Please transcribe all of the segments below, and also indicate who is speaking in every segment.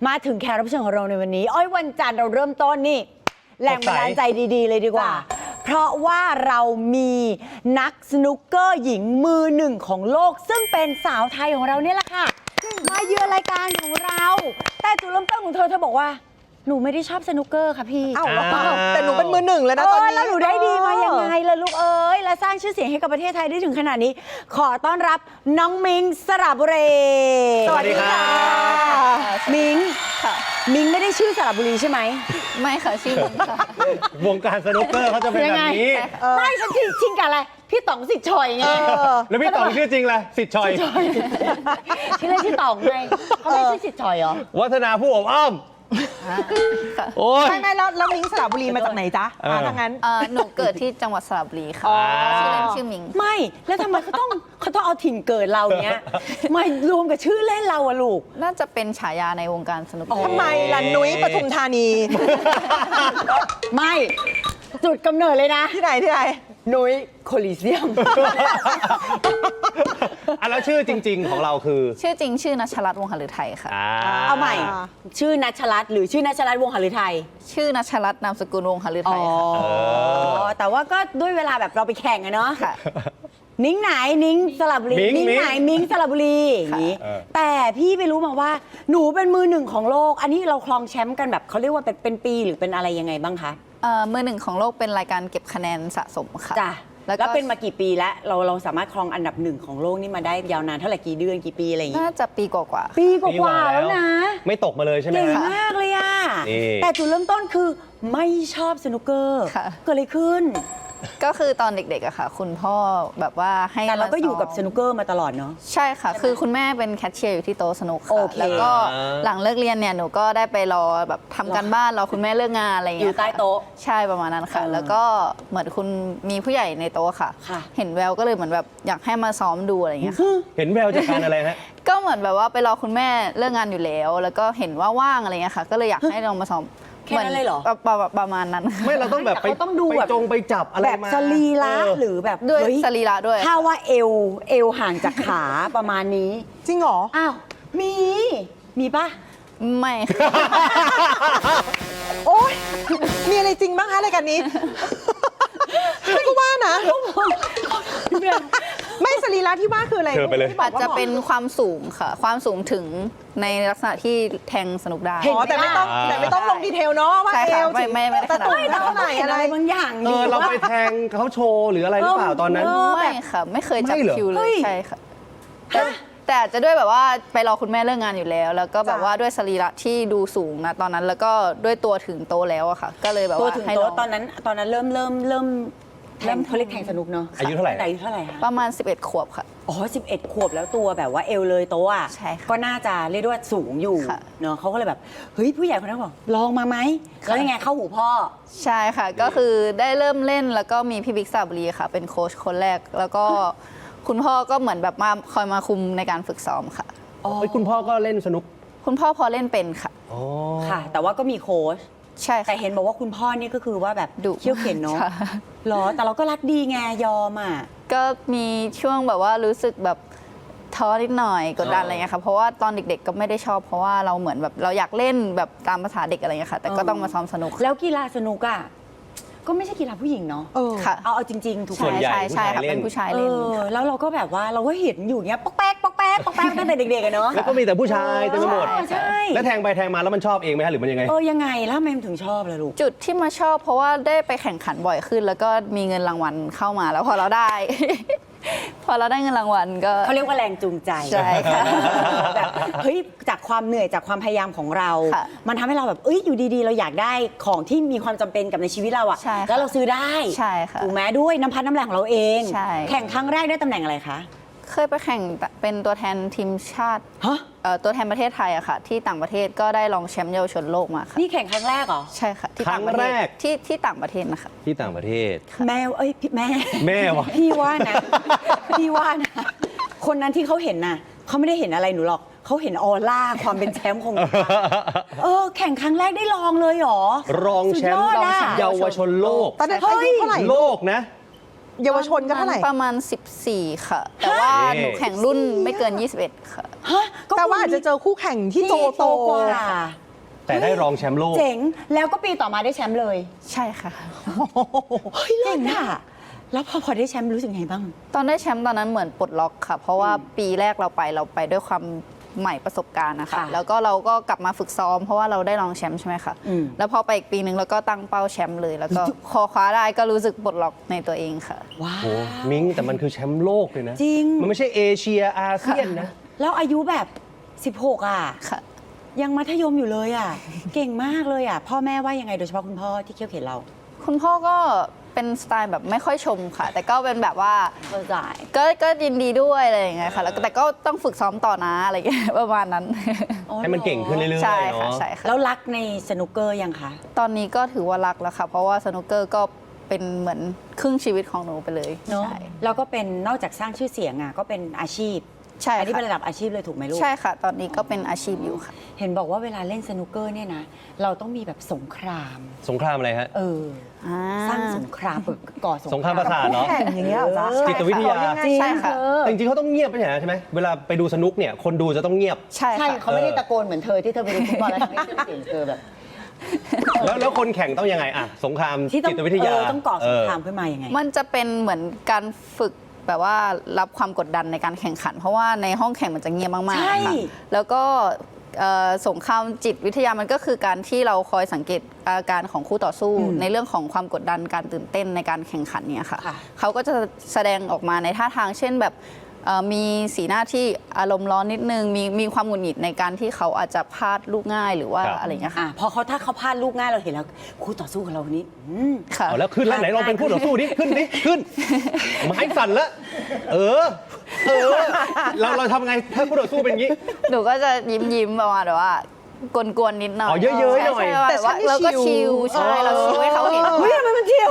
Speaker 1: มาถึงแขกรับเชิญของเราในวันนี้อ้อยวันจันทร์เราเริ่มต้นนี่แรงบันดาลใจดีๆเลยดีกว่าเพราะว่าเรามีนักสนุกเกอร์หญิงมือหนึ่งของโลกซึ่งเป็นสาวไทยของเราเนี่ยแหละค่ะมาเยือนรายการของเราแต่จุดเริ่มต้นของเธอบอกว่าหนูไม่ได้ชอบสนุกเกอร์ค่ะพี่
Speaker 2: อ้าวแต่หนูเป็นมือหนึ่งแล้วนะตอนนี้
Speaker 1: แล้วหนูได้ดีมายังไงล่ะลูกเอ้ยและสร้างชื่อเสียงให้กับประเทศไทยได้ถึงขนาดนี้ขอต้อนรับน้องมิงสระบุรี
Speaker 3: สวัสดีค่ะ
Speaker 1: มิงมิงไม่ได้ชื่อสระบุรีใช่ไหม
Speaker 4: ไม่ค่ะชื่อมิงค่ะ
Speaker 3: วงการสนุกเกอร์เขาจะเป็นแบบนี้
Speaker 1: ไม่ฉันชิงกับอะไรพี่ต๋องสิทธิ์ชอยไง
Speaker 3: แล้วพี่ต๋องชื่อจริงเลยสิทธิ์ชอย
Speaker 1: ชื่อเล่นชื่อต๋องไงเขาไม่ชื่อสิทธิ์ชอยเหรอ
Speaker 3: วัฒนาผู้อบอ้อม
Speaker 2: โอ้ยไม่แล้วมิงสระบุรีมาจากไหนจ๊ะถ้างั้น
Speaker 4: หนูเกิดที่จังหวัดสระบุรีค่ะชื่อเล่นชื่อมิง
Speaker 1: ไม่แล้วทำไมเขาต้องเอาถิ่นเกิดเราเนี้ยมารวมกับชื่อเล่นเราอะลูก
Speaker 4: น่าจะเป็นฉายาในวงการสนุก
Speaker 2: ทำไมล่ะนุ้ยปทุมธานี
Speaker 1: ไม่จุดกำเนิดเลยนะ
Speaker 2: ที่ไหน
Speaker 1: นุ้ยโคลิเซียม
Speaker 3: แล้วชื่อจริงๆของเราคือ
Speaker 4: ชื่อจริงชื่อนัชรัตน์วงศ์หฤทัยค่ะ
Speaker 1: เอาใหม่ชื่อนัชรัตน์หรือชื่อนัชรัตน์วงศ์หฤทัย
Speaker 4: ชื่อนัชรัตน์นามสกุลวงศ์หฤทัยค่ะ
Speaker 1: แต่ว่าก็ด้วยเวลาแบบเราไปแข่งอะเนาะนิ้งไหนนิ้งสระบุรีนิ้งไหนมิ้งสระบุรีอย่างนี้แต่พี่ไปรู้มาว่าหนูเป็นมือหนึ่งของโลกอันนี้เราครองแชมป์กันแบบเขาเรียกว่าเป็นปีหรือเป็นอะไรยังไงบ้างคะ
Speaker 4: มือหนึ่งของโลกเป็นรายการเก็บคะแนนสะสมค่ะ
Speaker 1: จ้ะแล้วเป็นมากี่ปีแล้วเราสามารถครองอันดับหนึ่งของโลกนี่มาได้ยาวนานเท่าไหร่กี่เดือนกี่ปีอะไรอย่างงี้
Speaker 4: น่าจะปีกว่า
Speaker 1: ปีกว่าแล้วนะ
Speaker 3: ไม่ตกมาเลยใช่ไหม
Speaker 1: เก่งมากเลยอะแต่จุดเริ่มต้นคือไม่ชอบสนุกเกอร์เกิดอะไรขึ้น
Speaker 4: ก็คือตอนเด็กๆอะค่ะคุณพ่อแบบว่าให้
Speaker 1: แต่เราก็อยู่กับสนุกเกอร์มาตลอดเนาะ
Speaker 4: ใช่ค่ะคือคุณแม่เป็นแคชเชียร์อยู่ที่โต๊ะสนุกค่ะแล้วก็หลังเลิกเรียนเนี่ยหนูก็ได้ไปรอแบบทำการบ้านรอคุณแม่เลิกงานอะไรอย่างเงี้ย
Speaker 1: อยู่ใต้โต๊ะ
Speaker 4: ใช่ประมาณนั้นค่ะแล้วก็เหมือนคุณมีผู้ใหญ่ในโต๊ะค่ะเห็นแววก็เลยเหมือนแบบอยากให้มาซ้อมดูอะไรอย่างเงี้ย
Speaker 3: เห็นแววจากการอะไรฮะ
Speaker 4: ก็เหมือนแบบว่าไปรอคุณแม่เลิกงานอยู่แล้วแล้วก็เห็นว่าว่างอะไรเงี้ยค่ะก็เลยอยากให้ลองมาซ้อม
Speaker 1: แค่นั้นเลยเหรอ
Speaker 4: ประมาณนั้น
Speaker 3: ไม่เราต้องแบบไป
Speaker 1: ต้องดูแบบ
Speaker 3: ไปจับอะไร
Speaker 1: แบบสรีระหรือแบบ
Speaker 4: ด้วยสรีระด้วย
Speaker 1: ถ้าว่าเอวห่างจากขาประมาณนี้
Speaker 2: จริงเหรอ
Speaker 1: อ้าวมีปะ
Speaker 4: ไม่
Speaker 2: โอ๊ยมีอะไรจริงบ้างคะรายการนี้ไม่ก็ว่านะไม่สรีระที่ว่าคืออะไร
Speaker 4: อาจจะเป็นความสูงค่ะความสูงถึงในลักษณะที่แทงสนุกได้
Speaker 2: แต่ไม่ต้องลงดีเทลเนาะว่าเอว
Speaker 4: ไม่
Speaker 2: แต่ตัวเท่าไหร่อะไร
Speaker 1: บางอย่าง
Speaker 3: เราไปแทงเขาโชว์หรืออะไรหรือเปล่าตอนนั้น
Speaker 4: ไม่ค่ะไม่เคยจับคิวเลยใช่ค่ะแต่อาจจะด้วยแบบว่าไปรอคุณแม่เลิกงานอยู่แล้วแล้วก็แบบว่าด้วยสรีระที่ดูสูงนะตอนนั้นแล้วก็ด้วยตัวถึงโตแล้วอะค่ะก็เลยแบบว่า
Speaker 1: ตัวถึงโตตอนนั้นเริ่มเขาเรียกแข่งสนุกเนาะ
Speaker 3: อายุเท่าไหร่
Speaker 4: ประมาณ11 ขวบค่ะ
Speaker 1: 11 ขวบแล้วตัวแบบว่าเอวเลยโตอ่ะก็น่าจะเรียกว่าสูงอยู่เนาะเขาก็เลยแบบเฮ้ยผู้ใหญ่คนนั้นบอกลองมาไหมแล้วยังไงเข้าหูพ่อ
Speaker 4: ใช่ค่ะก็คือได้เริ่มเล่นแล้วก็มีพี่บิ๊กสระบุรีค่ะเป็นโค้ชคนแรกแล้วก็คุณพ่อก็เหมือนแบบมาคอยมาคุมในการฝึกซ้อมค่ะ
Speaker 3: คุณพ่อก็เล่นสนุก
Speaker 4: คุณพ่อพอเล่นเป็นค่ะ
Speaker 1: ค่ะแต่ว่าก็มีโค้ช
Speaker 4: ใช่
Speaker 1: แต่เห็นบอกว่าคุณพ่อนี่ก็คือว่าแบบดุเขี้ยวเข็นเนาะหรอแต่เราก็รักดีไงยอมอ่ะ
Speaker 4: ก็มีช่วงแบบว่ารู้สึกแบบท้อนิดหน่อยกดดันอะไรเงี้ยค่ะเพราะว่าตอนเด็กๆก็ไม่ได้ชอบเพราะว่าเราเหมือนแบบเราอยากเล่นแบบตามภาษาเด็กอะไรเงี้ยค่ะแต่ก็ต้องมาซ้อมสนุก
Speaker 1: แล้วกีฬาสนุกอ่ะก็ไม่ใช่กีฬาผู้หญิงเนาะ
Speaker 4: ค่ะ
Speaker 1: เอาจริงๆถูกไหม
Speaker 4: ใช่ค่ะเป็นผู้ชายเล่น
Speaker 1: แล้วเราก็แบบว่าเราก็เห็นอยู่เนี้ยป๊อกแป๊กตั้งแต่เด็กๆเนาะ
Speaker 3: แล้วก็มีแต่ผู้ชายเต็มไปหมด
Speaker 1: ใช่
Speaker 3: แล้วแทงไปแทงมาแล้วมันชอบเองไหมฮะหรือมันยังไง
Speaker 1: ยังไงแล้วทำไมมันถึงชอบล่ะลูก
Speaker 4: จุดที่มาชอบเพราะว่าได้ไปแข่งขันบ่อยขึ้นแล้วก็มีเงินรางวัลเข้ามาแล้วพอเราได้เงินรางวัลก็
Speaker 1: เขาเรียกว่าแรงจูงใจ
Speaker 4: ใช่ค่ะ
Speaker 1: แบบเฮ้ยจากความเหนื่อยจากความพยายามของเรามันทำให้เราแบบอยู่ดีๆเราอยากได้ของที่มีความจำเป็นกับในชีวิตเราอะแล้วเราซื้อได้
Speaker 4: ใช่ค่ะ
Speaker 1: ถูกไหมด้วยน้ำพัดน้ำแรงของเราเอง
Speaker 4: ใช่
Speaker 1: แข่งครั้งแรกได้ตำแหน่งอะไรคะ
Speaker 4: เคยไปแข่งเป็นตัวแทนทีมชาติตัวแทนประเทศไทยอะค่ะที่ต่างประเทศก็ได้รองแชมป์เยาวชนโลกมาค่ะ
Speaker 1: นี่แข่งครั้งแรกเหรอ
Speaker 4: ใช่ค่ะที่ต่างประเทศที่ต่างประเทศนะคะ
Speaker 3: ที่ต่างประเทศ
Speaker 1: แม่แม่
Speaker 3: วะ
Speaker 1: พี่ว่านะคนนั้นที่เขาเห็นน่ะเขาไม่ได้เห็นอะไรหนูหรอกเขาเห็นออร่าความเป็นแชมป์ของหนูแข่งครั้งแรกได้รองเลยหรอ
Speaker 3: รองแชมป์เยาวชนโลก
Speaker 2: ตอนนั้นอายุเท่าไหร่
Speaker 3: โลกนะ
Speaker 2: เยาวชนก็เท่าไหร่
Speaker 4: ประมาณ 14 ค่ะ แต่ว่า
Speaker 3: เฮ้ย
Speaker 4: หนูแข่งรุ่นไม่เกิน 21 ค่ะ
Speaker 1: ฮะก็
Speaker 2: แต่ว่าอาจจะเจอคู่แข่งที่
Speaker 1: ที่
Speaker 2: โต
Speaker 1: กว่า
Speaker 3: แต่ได้รองแชมป์โลก
Speaker 1: เจ๋งแล้วก็ปีต่อมาได้แชมป์เลย
Speaker 4: ใช่ค่ะ
Speaker 1: เฮ้ยเก่งอ่ะแล้วพอได้แชมป์รู้สึกไงบ้าง
Speaker 4: ตอนได้แชมป์ตอนนั้นเหมือนปลดล็อกค่ะ เพราะว่าปีแรกเราไปด้วยความใหม่ประสบการณ์นะคะ
Speaker 1: ค่ะ
Speaker 4: แล้วก็เราก็กลับมาฝึกซ้อมเพราะว่าเราได้รองแชมป์ใช่ไหมคะ
Speaker 1: อืม
Speaker 4: แล้วพอไปอีกปีหนึ่งเราก็ตั้งเป้าแชมป์เลย แล้วก็คอคว้าได้ก็รู้สึกปลดล็อกในตัวเองค่ะ
Speaker 1: ว้า
Speaker 3: โอ้
Speaker 1: ว
Speaker 3: มิ้งแต่มันคือแชมป์โลกเลยนะ
Speaker 1: จริง
Speaker 3: มันไม่ใช่เอเชียอาเซียนนะ
Speaker 1: แล้วอายุแบบ 16 อ่ะ
Speaker 4: ค่ะ
Speaker 1: ยังมัธยมอยู่เลยอ่ะ เก่งมากเลยอ่ะ พ่อแม่ว่ายังไงโดยเฉพาะคุณพ่อที่เคี่ยวเข็นเรา
Speaker 4: คุณพ่อก็เป็นสไตล์แบบไม่ค่อยชมค่ะ แต่ก็เป็นแบบว่า
Speaker 1: เข้าใจ
Speaker 4: ก็ยินดีด้วยอะไรอย่างเงี้ยค่ะแล้วแต่ก็ต้องฝึกซ้อมต่อนะอะไรอย่างเงี้ย ประมาณนั้น
Speaker 3: ให้มันเก่งขึ้นเรื่อยๆ
Speaker 4: ใช่ค่ะ
Speaker 3: เนาะ
Speaker 4: ใช่ค่ะ
Speaker 1: แล้วรักในสนุกเกอร์ยังคะ
Speaker 4: ตอนนี้ก็ถือว่ารักแล้วค่ะ เพราะว่าสนุกเกอร์ก็เป็นเหมือนครึ่งชีวิตของหนูไปเลย
Speaker 1: เนาะ
Speaker 4: ใช่
Speaker 1: แล้วก็เป็นนอกจากสร้างชื่อเสียงอ่ะก็เป็นอาชีพ
Speaker 4: ใช่
Speaker 1: อันนี้
Speaker 4: ค่ะ
Speaker 1: เป็นระดับอาชีพเลยถูกไหมลูก
Speaker 4: ใช่ค่ะ ตอนนี้ก็เป็นอาชีพอยู่ค่ะ
Speaker 1: เห็นบอกว่าเวลาเล่นสนุกเกอร์เนี่ยนะ เราต้องมีแบบสงคราม
Speaker 3: สงครามอะไรฮะ
Speaker 1: สร้างสงครามก่อ
Speaker 3: สงครามประสาทเหรอ
Speaker 2: แข่งอย่างเงี้ยเหรอจ๊ะ
Speaker 3: จิตวิทยา
Speaker 1: จริง
Speaker 4: ใช่ค่ะ
Speaker 3: แต่จริงๆเขาต้องเงียบไม่ใช่เหรอใช่ไหมเวลาไปดูสนุกเนี่ยคนดูจะต้องเงียบ
Speaker 4: ใช่
Speaker 1: ใช่
Speaker 4: ค่ะ
Speaker 1: เขาไม่ได้ตะโกนเหมือนเธอที่เธอไปดูฟุตบอลแล้วทำให้เสียงเธอแบบ
Speaker 3: แล้วคนแข่งต้องยังไงอะสงคราม
Speaker 1: ที่ต้อง
Speaker 3: จิตวิทยา
Speaker 1: ต้องก่อสงครามขึ้นมายังไง
Speaker 4: มันจะเป็นเหมือนการฝึกแบบว่ารับความกดดันในการแข่งขัน เพราะว่าในห้องแข่งมันจะเงียบมาก
Speaker 1: ใช่
Speaker 4: ๆค่ะแล้วก็สงครามจิตวิทยามันก็คือการที่เราคอยสังเกตอาการของคู่ต่อสู้ ในเรื่องของความกดดันการตื่นเต้นในการแข่งขันเนี่ยค่ะ
Speaker 1: ค่ะ
Speaker 4: เขาก็จะแสดงออกมาในท่าทางเช่นแบบมีสีหน้าที่อารมณ์ร้อนนิดนึงมีความหงุดหงิดในการที่เขาอาจจะพลาดลูกง่ายหรือว่า
Speaker 3: ครับ
Speaker 4: อะไรอย่างเงี้ยค่ะ
Speaker 1: พอถ้าเขาพลาดลูกง่ายเราเห็นแล้วคู่ต่อสู้ของเราคนนี้
Speaker 4: ค่ะ
Speaker 3: เอาแล้วขึ้นแล้วไหนลองเป็นคู่ต่อสู้ดิขึ้นดิขึ้นไม้สั่นแล้วเออเราทำไงถ้าคู่ต่อสู้เป็นอย่างนี้
Speaker 4: หนูก็จะยิ้มประมาณแบบว่ากวนๆนิดหน่อย
Speaker 3: อ๋อเยอะๆหน่อย
Speaker 4: ใช่
Speaker 2: แต่
Speaker 4: แต่ว่า
Speaker 2: ฉันนี่
Speaker 4: เราก็
Speaker 2: ชิ
Speaker 4: ชิ
Speaker 2: ล
Speaker 4: ลใช่เราชิลให้เขาเห็น
Speaker 1: เฮ้ยทำไมมันเที่ยว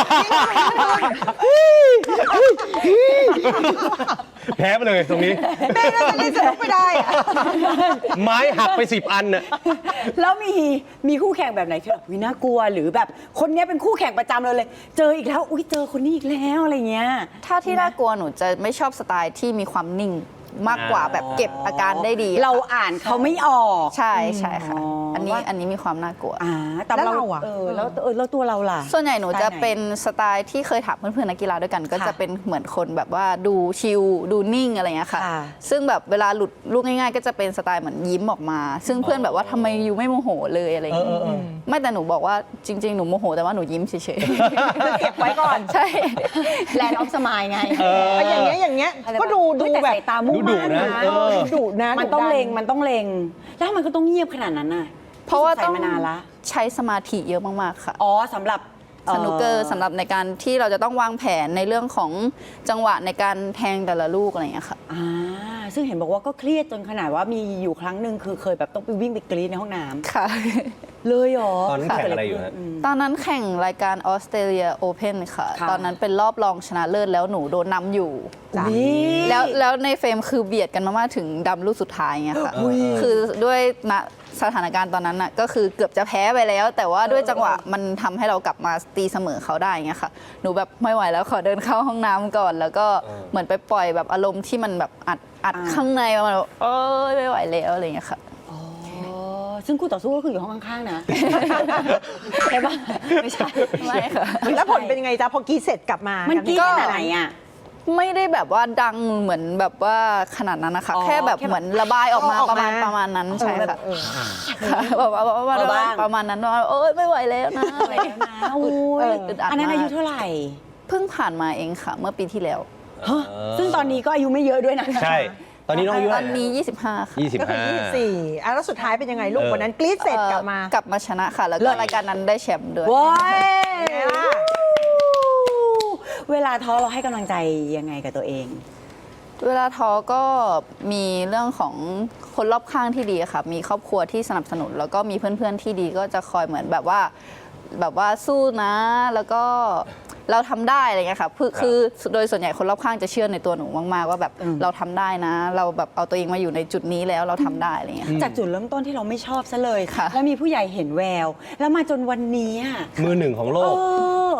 Speaker 3: แพ้ไปเลยตรงนี้
Speaker 2: แม่น่าจะเล่นสนุกไม่ได้อะ
Speaker 3: ไม้หักไป10 อันน่ะ
Speaker 1: แล้วมีคู่แข่งแบบไหนที่แบบวิน่ากลัวหรือแบบคนเนี้ยเป็นคู่แข่งประจำเราเลย เจออีกแล้วอุ้ยเจอคนนี้อีกแล้วอะไรเงี้ย
Speaker 4: ถ้าที่น่ากลัวหนูจะไม่ชอบสไตล์ที่มีความนิ่งมากกว่าแบบเก็บอาการได้ดี
Speaker 1: เราอ่านเขาไม่ออก
Speaker 4: ใช่ใช่ค่ะ
Speaker 1: อ๋ออั
Speaker 4: อันนี้มีความน่ากลัว
Speaker 1: แต่
Speaker 2: แล้วเราอะ
Speaker 1: แล้วตัวเราล่ะ
Speaker 4: ส่วนใหญ่หนูจะ
Speaker 1: สไตล์ไหน
Speaker 4: เป็นสไตล์ที่เคยถามเพื่อนๆนักกีฬาด้วยกัน ก็
Speaker 1: ค่ะ
Speaker 4: จะเป็นเหมือนคนแบบว่าดูชิลดูนิ่งอะไรเงี้ยค่ะ
Speaker 1: ค่ะ
Speaker 4: ซึ่งแบบเวลาหลุดลูกง่ายๆ ก็จะเป็นสไตล์เหมือนยิ้มออกมา ซึ่งเพื่อนแบบว่าทำไมยูไม่โมโหเลยอะไรอย่างเงี้ยไม่แต่หนูบอกว่าจริง ๆ หนูโมโหแต่ว่าหนูยิ้มเฉยๆ
Speaker 2: เก็บไว้ก่อน
Speaker 4: ใช่
Speaker 1: แลนด์ออฟสมายไง
Speaker 2: อย่างเงี้ยก็ดู
Speaker 1: แต่
Speaker 2: แบบ
Speaker 1: สายตามุ่ง
Speaker 3: ดุ
Speaker 1: มั่น
Speaker 3: นะ
Speaker 1: นะ
Speaker 2: ดุนะ
Speaker 1: มันต้อง
Speaker 2: ดุดัน
Speaker 1: เล็งแล้วมันก็ต้องเงียบขนาดนั้นน่ะ
Speaker 4: เพราะว่า
Speaker 1: พี่
Speaker 4: ต้
Speaker 1: ส
Speaker 4: อง
Speaker 1: งสัยมานานละ
Speaker 4: ใช้สมาธิเยอะมากๆค่ะ
Speaker 1: อ๋อสำหรับ
Speaker 4: สนุกเกอร์สำหรับในการที่เราจะต้องวางแผนในเรื่องของจังหวะในการแทงแต่ละลูกอะไรอย่างเงี้ยค่ะ
Speaker 1: ซึ่งเห็นบอกว่าก็เครียดจนขนาดว่ามีอยู่ครั้งหนึ่งคือเคยแบบต้องไปวิ่งไปกรีดในห้องน้ำ
Speaker 4: ค่ะ
Speaker 1: เลยเหรอ
Speaker 3: ตอนนั้นแข่งอะไรอยู่ฮะ
Speaker 4: ตอนนั้นแข่งรายการออสเตรเลียโอเพนค่ะ
Speaker 1: ค่ะ
Speaker 4: ตอนนั้นเป็นรอบรองชนะเลิศแล้วหนูโดนนำอยู่
Speaker 1: อุ๊ย
Speaker 4: แล้วในเฟรมคือเบียดกันมากๆถึงดำลูกสุดท้ายไงค่ะ คือด้วยณสถานการณ์ตอนนั้นน่ะก็คือเกือบจะแพ้ไปแล้ว แต่ว่าด้วยจังหวะมันทำให้เรากลับมาตีเสมอเขาได้ไงค่ะ หนูแบบไม่ไหวแล้วขอเดินเข้าห้องน้ำก่อน แล้วก็เหมือนไปปล่อยแบบอารมณ์ที่มันแบบอัดข้างในประมาณแบบเอ้ยไม่ไหวแล้วอะไรอย่างเงี้ยค่ะ
Speaker 1: อ๋อซึ่งคู่ต่อสู้ก็คืออยู่ห้องข้างๆนะ ใช่ปะไม่ใช่
Speaker 4: ไม่ค่ะ
Speaker 2: แล้วผลเป็นยังไงจ๊ะพอกรีดเสร็จกลับมา
Speaker 1: มัน
Speaker 2: มัน
Speaker 1: กรีดขนาดไหนอ่ะ
Speaker 4: ไม่ได้แบบว่าดังเหมือนแบบว่าขนาดนั้นนะคะ
Speaker 1: อ๋อ
Speaker 4: แค่แบบ
Speaker 1: แค่แบบ
Speaker 4: เหมือนระบายออกมา
Speaker 2: ออก
Speaker 4: ประ
Speaker 2: มา
Speaker 4: มาณนั้นใช่ค่ะ
Speaker 2: เออ
Speaker 4: ค่ะแบบว่าประมาณนั้นว่าเอ้ยไม่ไหวแล้วนะ
Speaker 1: อะไรแล้วนะโอ้ย
Speaker 4: อึดอัด
Speaker 1: อันนั้น
Speaker 4: มาก
Speaker 1: อายุเท่าไหร่
Speaker 4: เพิ่งผ่านมาเองค่ะ เมื่อปีที่แล้ว
Speaker 1: ฮะซึ่งตอนนี้ก็อายุไม่เยอะด้วยนะ
Speaker 3: ใช่ ตอนนี้น้องอายุ
Speaker 4: ต
Speaker 3: เท่า
Speaker 4: อน
Speaker 3: ไหร่
Speaker 4: นี้
Speaker 3: นะ
Speaker 4: 25 ค่ะ
Speaker 2: ก็คือ 24แล้วสุดท้ายเป็นยังไงลูก วันนั้นกรีดเสร็จกลับมา
Speaker 4: กลับมาชนะค่ะ แล้ว
Speaker 1: เลิ
Speaker 4: ก็
Speaker 1: ศ
Speaker 4: รายการนั้นได้แชมป์ด้วย
Speaker 1: ว้าย
Speaker 2: ไงล่ะ
Speaker 1: เวลาท้อเราให้กำลังใจยังไงกับตัวเอง
Speaker 4: เวลาท้อก็มีเรื่องของคนรอบข้างที่ดีค่ะ มีครอบครัวที่สนับสนุน แล้วก็มีเพื่อนๆที่ดีก็จะคอยเหมือนแบบว่าสู้นะ แล้วก็เราทำได้อะไรเงี้ยค่ะคือโดยส่วนใหญ่คนรอบข้างจะเชื่อในตัวหนูมากๆว่าแบบเราทำได้นะ เราแบบเอาตัวเองมาอยู่ในจุดนี้แล้วเราทำได้อะไรเงี้ยค่ะ
Speaker 1: จากจุดเริ่มต้นที่เราไม่ชอบซะเลย
Speaker 4: ค่ะ
Speaker 1: แล้วมีผู้ใหญ่เห็นแวว แล้วมาจนวันนี้อะ
Speaker 3: มือหนึ่งของโลก
Speaker 1: เออ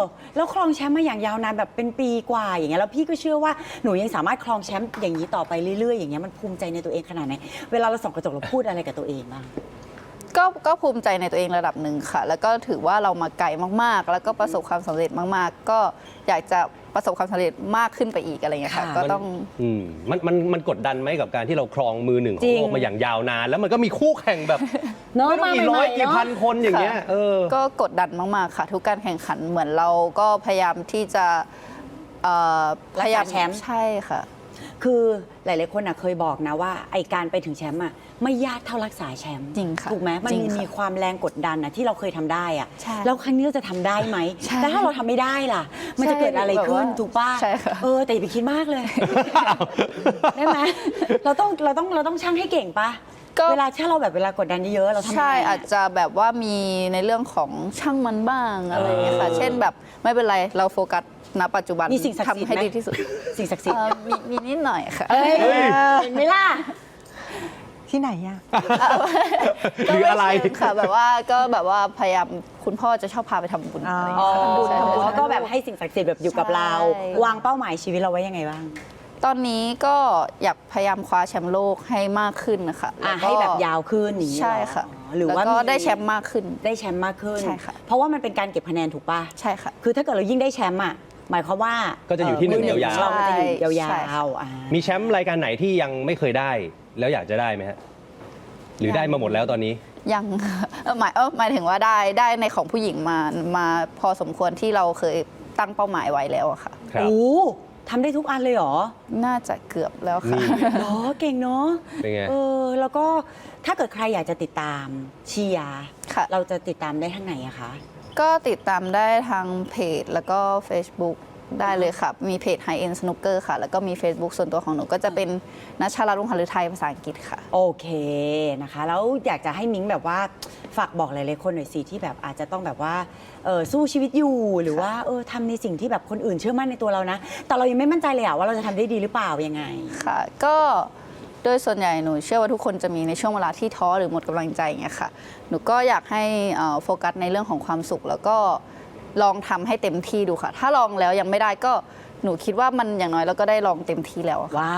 Speaker 1: แล้วครองแชมป์มาอย่างยาวนานแบบเป็นปีกว่าอย่างเงี้ยแล้วพี่ก็เชื่อว่าหนูยังสามารถครองแชมป์อย่างนี้ต่อไปเรื่อยๆอย่างเงี้ยมันภูมิใจในตัวเองขนาดไหนเวลาเราส่องกระจกเราพูดอะไรกับตัวเองบ้าง
Speaker 4: ก็ภูมิใจในตัวเองระดับหนึ่งค่ะ แล้วก็ถือว่าเรามาไกลมากๆ แล้วก็ประสบความสำเร็จมากๆ ก็อยากจะประสบความสำเร็จมากขึ้นไปอีกอะไรเงี้ยค่ะ
Speaker 1: ค่ะ
Speaker 4: ก็ต้อง
Speaker 3: มันกดดันไหมกับการที่เราครองมือหนึ่งข
Speaker 1: จริ
Speaker 3: อง
Speaker 1: ง
Speaker 3: โลกมาอย่างยาวนาน แล้วมันก็มีคู่แข่งแบบ
Speaker 1: เนอะ
Speaker 3: ไม่รู้กี่ร้อย
Speaker 1: มาใหม่ๆ
Speaker 3: กี่
Speaker 1: เนอะ
Speaker 3: พันคนอย่างเงี้ย
Speaker 4: ค่ะ
Speaker 3: เออ
Speaker 4: ก็กดดันมากๆค่ะ ทุกการแข่งขันเหมือนเราก็พยายามที่จะพยายาม
Speaker 1: รักษาแชมป์
Speaker 4: ใช่ค่ะ
Speaker 1: คือหลายๆคนเคยบอกนะว่าไอการไปถึงแชมป์ไม่ยากเท่ารักษาแชมป์
Speaker 4: จริงค่ะ
Speaker 1: ถูกไหมมัน
Speaker 4: จริงค่ะ
Speaker 1: มีความแรงกดดันที่เราเคยทำได้อะ
Speaker 4: ใช่
Speaker 1: แล้วครั้งนี้เราจะทำได้ไหม
Speaker 4: ใช่
Speaker 1: แล้วถ้าเราทำไม่ได้ล่ะ มันจะเกิดอะไรขึ้น
Speaker 4: แบบว่า
Speaker 1: ถูกป่ะ
Speaker 4: ใช่ค่ะ
Speaker 1: แต่อย่าไปคิดมากเลย ได้ไหมเราต้องช่างให้เก่งป่ะ
Speaker 4: ก็
Speaker 1: เวลากดดันเยอะๆเราทำยังไง
Speaker 4: ใช่
Speaker 1: อะ
Speaker 4: อาจจะแบบว่ามีในเรื่องของช่างมันบ้างอะไรอย่างเงี้ยค่ะ เช่นแบบไม่เป็นไรเราโฟกัสณปัจจุบัน
Speaker 1: มีสิ่งศักดิ์สิทธิ์
Speaker 4: ทำให้
Speaker 1: ไหม
Speaker 4: ดีที่สุด
Speaker 1: สิ่งศักดิ์สิทธิ์
Speaker 4: มีนิดหน่อยค่ะ
Speaker 1: เอ้ยเห็นไหมล่ะ
Speaker 2: ที่ไหนอะ
Speaker 3: หรืออะไร
Speaker 4: ก็ม่เชิงค่ะแบบว่าพยายามคุณพ่อจะชอบพาไปทำบุญอะไรอย่าง
Speaker 1: อ๋อ
Speaker 4: เงี้ยค่ะใช่
Speaker 1: ก็แบบให้สิ่งศักดิ์สิทธิ์แบบอยู่กับเรา
Speaker 4: ใช่
Speaker 1: วางเป้าหมายชีวิตเราไว้ยังไงบ้าง
Speaker 4: ตอนนี้ก็อยากพยายามคว้าแชมป์โลกให้มากขึ้นนะคะแล้วก็
Speaker 1: ให้แบบยาวขึ้นอย่างนี้
Speaker 4: ใช่ค่ะ
Speaker 1: หรือว่า
Speaker 4: แล้วก็
Speaker 1: มี
Speaker 4: ได้แชมป์มากขึ้น
Speaker 1: ได้แชมป์มากขึ้น
Speaker 4: ใช่ค่ะ
Speaker 1: เพราะว่ามันเป็นการเก็บคะแนนถูกป่ะ
Speaker 4: ใช่ค่ะ
Speaker 1: คือถ้าเกิดเรายิ่งได้แชมป์หมายความว่า
Speaker 3: ก็จะอยู่ที่หนึ่ง
Speaker 1: มื
Speaker 3: ยาวๆ
Speaker 1: ของเรามันจะอยู่ย
Speaker 4: ใช่
Speaker 1: าวๆอ่า
Speaker 3: มีแชมป์รายการไหนที่ยังไม่เคยได้ แล้วอยากจะได้ไหมฮะ หรือได้มาหมดแล้วตอนนี้
Speaker 4: ยังหมายถึงว่าได้ในของผู้หญิงมาพอสมควรที่เราเคยตั้งเป้าหมายไว้แล้วอะค่ะ
Speaker 3: ครับ
Speaker 1: โอ้ทำได้ทุกอันเลยเหรอ
Speaker 4: น่าจะเกือบแล้วค่ะ
Speaker 3: นี่
Speaker 1: เหรอเก่งเนาะ
Speaker 3: เป็นไง
Speaker 1: แล้วก็ถ้าเกิดใครอยากจะติดตามเชียร์
Speaker 4: ค่ะ
Speaker 1: เราจะติดตามได้ทางไหนอะคะ
Speaker 4: ก็ติดตามได้ทางเพจแล้วก็ Facebook ได้เลยค่ะ มีเพจ High End Snooker ค่ะ แล้วก็มี Facebook ส่วนตัวของหนูก็จะเป็นนัชชาลัตน์ รุ่งหฤทัยภาษาอังกฤษค่ะ
Speaker 1: โอเคนะคะ แล้วอยากจะให้มิ้งแบบว่าฝากบอกหลายๆคนหน่อยสิที่แบบอาจจะต้องแบบว่าสู้ชีวิตอยู่หรือว่าทำในสิ่งที่แบบคนอื่นเชื่อมั่นในตัวเรานะ แต่เรายังไม่มั่นใจเลยว่าเราจะทำได้ดีหรือเปล่ายังไง
Speaker 4: ค่ะ ก็โดยส่วนใหญ่หนูเชื่อว่าทุกคนจะมีในช่วงเวลาที่ท้อหรือหมดกำลังใจอย่างเงี้ยค่ะ หนูก็อยากให้โฟกัสในเรื่องของความสุข แล้วก็ลองทำให้เต็มที่ดูค่ะ ถ้าลองแล้วยังไม่ได้ก็หนูคิดว่ามันอย่างน้อยเราก็ได้ลองเต็มที่แล้วอะค่ะ
Speaker 1: ว้าว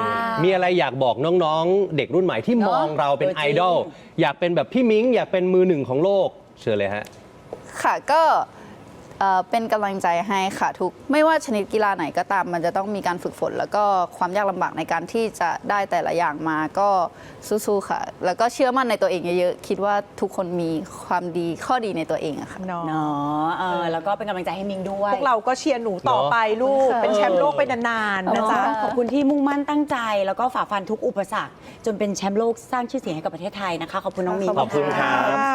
Speaker 3: มีอะไรอยากบอกน้องๆ เด็กรุ่นใหม่ที่มองเราเป็น
Speaker 1: เออจริง
Speaker 3: ไอดอล อยากเป็นแบบพี่มิ้ง อยากเป็นมือหนึ่งของโลก เชิญเลยฮะ
Speaker 4: ค่ะก็เป็นกำลังใจให้ค่ะไม่ว่าชนิดกีฬาไหนก็ตามมันจะต้องมีการฝึกฝน แล้วก็ความยากลำบากในการที่จะได้แต่ละอย่างมาก็สู้ๆค่ะ แล้วก็เชื่อมั่นในตัวเองเยอะๆคิดว่าทุกคนมีความดีข้อดีในตัวเองอะค่ะ
Speaker 2: เนาะ
Speaker 1: เนาะแล้วก็เป็นกำลังใจให้มิ้งด้วย
Speaker 2: พวกเราก็เชียร์หนูต่อไปลูก
Speaker 4: เนอะ
Speaker 2: เป็นแชมป์โลกไปนานๆนะจ๊ะ
Speaker 1: ขอบคุณที่มุ่งมั่นตั้งใจ แล้วก็ฝ่าฟันทุกอุปสรรค จนเป็นแชมป์โลกสร้างชื่อเสียงให้กับประเทศไทยนะคะ ขอบคุณน้องมิ้ง
Speaker 3: ขอบคุณครับ